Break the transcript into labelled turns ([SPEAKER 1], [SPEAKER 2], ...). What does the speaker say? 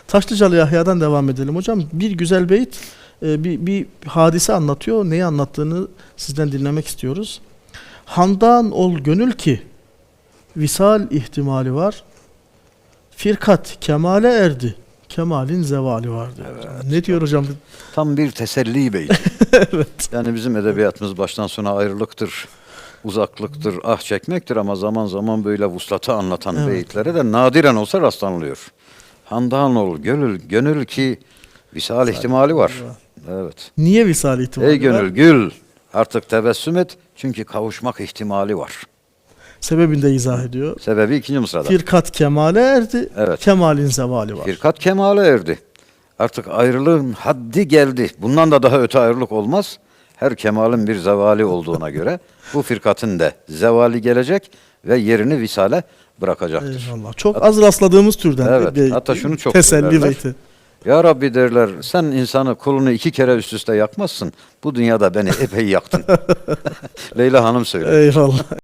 [SPEAKER 1] Taşlıcalı Yahya'dan devam edelim hocam. Bir güzel beyit, bir hadise anlatıyor. Neyi anlattığını sizden dinlemek istiyoruz. Handan ol gönül ki visal ihtimali var. Firkat kemale erdi. Kemalin zevali var diyor.
[SPEAKER 2] Evet.
[SPEAKER 1] Ne diyor hocam?
[SPEAKER 2] Tam bir teselli beyti.
[SPEAKER 1] Evet.
[SPEAKER 2] Yani bizim edebiyatımız baştan sona ayrılıktır, uzaklıktır, ah çekmektir ama zaman zaman böyle vuslatı anlatan
[SPEAKER 1] Evet.
[SPEAKER 2] beyitlere de nadiren olsa rastlanılıyor. Handan ol gönül ki visal ihtimali var. Evet.
[SPEAKER 1] Niye visal ihtimali
[SPEAKER 2] Ey gönül
[SPEAKER 1] var?
[SPEAKER 2] gül, artık tebessüm et çünkü kavuşmak ihtimali var.
[SPEAKER 1] Sebebini de izah ediyor.
[SPEAKER 2] Sebebi ikinci mısrada.
[SPEAKER 1] Firkat kemale erdi.
[SPEAKER 2] Evet.
[SPEAKER 1] Kemalin zevali var.
[SPEAKER 2] Firkat kemale erdi. Artık ayrılığın haddi geldi. Bundan da daha öte ayrılık olmaz. Her kemalin bir zevali olduğuna göre bu firkatın da zevali gelecek ve yerini visale bırakacaktır.
[SPEAKER 1] Eyvallah. Çok az rastladığımız türden
[SPEAKER 2] Evet,
[SPEAKER 1] bir
[SPEAKER 2] hatta şunu çok
[SPEAKER 1] teselli
[SPEAKER 2] söylerler.
[SPEAKER 1] beyti.
[SPEAKER 2] Ya Rabbi derler, sen insanı kulunu 2 kere üst üste yakmazsın. Bu dünyada beni epey yaktın. Leyla Hanım söylüyor.
[SPEAKER 1] Eyvallah.